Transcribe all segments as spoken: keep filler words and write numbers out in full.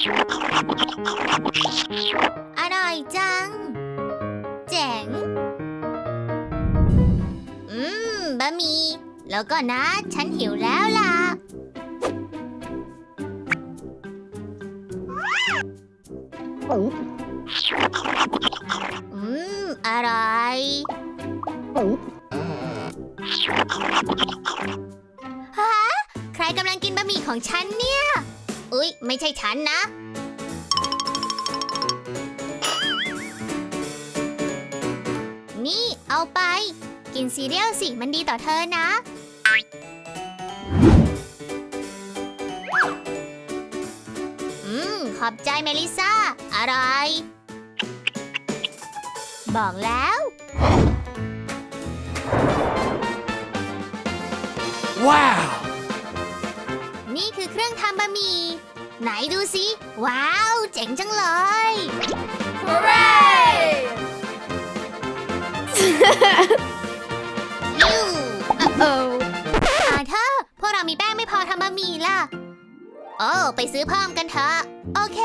อร่อยจังเจ๋งอืมบะหมี่แล้วก็นะฉันหิวแล้วล่ะอืมอร่อยฮะใครกำลังกินบะหมี่ของฉันเนี่ยอุ๊ยไม่ใช่ฉันนะนี่เอาไปกินซีเรียลสิมันดีต่อเธอนะอืมขอบใจเมลิซ่าอร่อยบอกแล้วว้าวนี่คือเครื่องทำบะหมี่ไหนดูสิว้าวเจ๋งจังเลย Hooray! ยู Uh-oh. อาเธอพวกเรามีแป้งไม่พอทำบะหมี่ล่ะโอ้ไปซื้อเพิ่มกันเถอะโอเค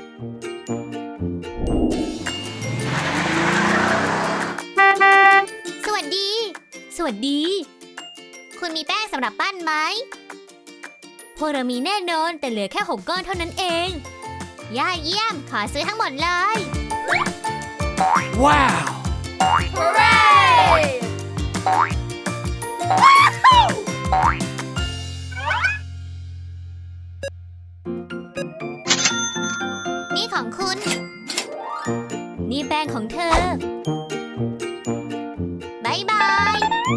สวัสดีสวัสดีคุณมีแป้งสำหรับปั้นไหมพวกเรามีแน่นอนแต่เหลือแค่หกก้อนเท่านั้นเองย่าเยี่ยมขอซื้อทั้งหมดเลยว้าว Hooray! นี่ของคุณนี่แป้งของเธอบายบาย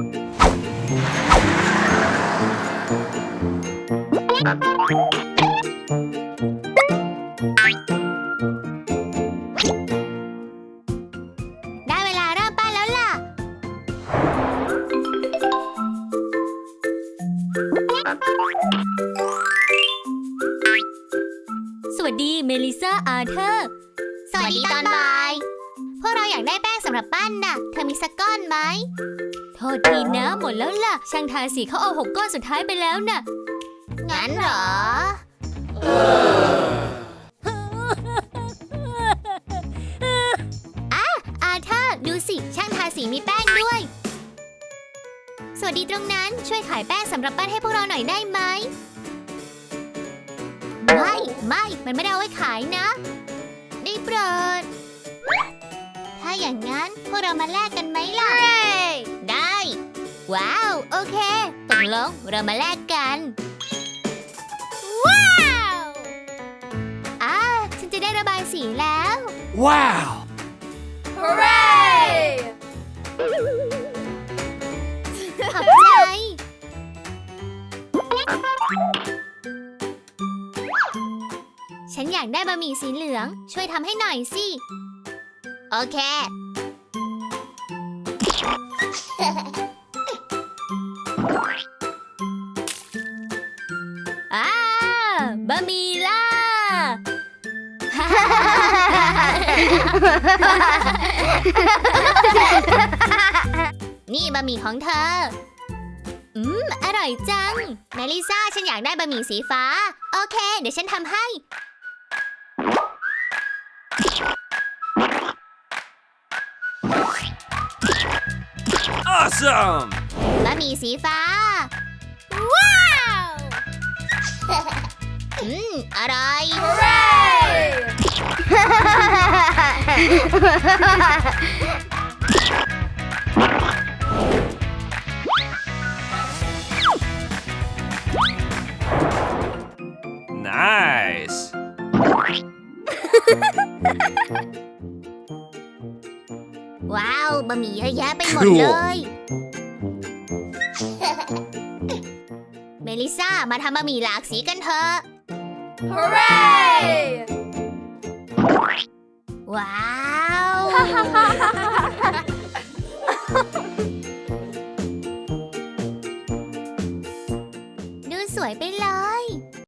ได้เวลาเริ่มปั้นแล้วล่ะสวัสดีเมลิซ่าอาเธอร์สวัสดีตอนบ่ายพวกเราอยากได้แป้งสำหรับปั้นน่ะเธอมีสักก้อนไหมโทษทีนะหมดแล้วล่ะช่างทาสีเขาเอาหกก้อนสุดท้ายไปแล้วน่ะงั้นเหรออ่ะอาเธอร์ดูสิช่างทาสีมีแป้งด้วยสวัสดีตรงนั้นช่วยขายแป้งสำหรับปั้นให้พวกเราหน่อยได้ไหมไม่ไม่มันไม่ได้เอาไว้ขายนะได้โปรดถ้าอย่างนั้นพวกเรามาแลกกันไหมล่ะ Hooray! ได้ว้าวโอเคตกลงเรามาแลกกัน Wow! อ่าฉันจะได้ระบายสีแล้วว้าว Hooray! ขอบใจฉันอยากได้บะหมี่สีเหลืองช่วยทำให้หน่อยสิโอเคอ่าบะหมี่ล่ะ นี่บะหมี่ของเธออืมอร่อยจังเมลิซ่าฉันอยากได้บะหมี่สีฟ้าโอเคเดี๋ยวฉันทำให้ awesome บะหมี่สีฟ้า Wow! อืมอร่อย Hooray! nice ว้าวบะหมี่เยอะแยะไปหมดเลย เมลิซ่ามาทำบะหมี่หลากสีกันเถอะ Hooray! ว้าว ดูสวยไปเลย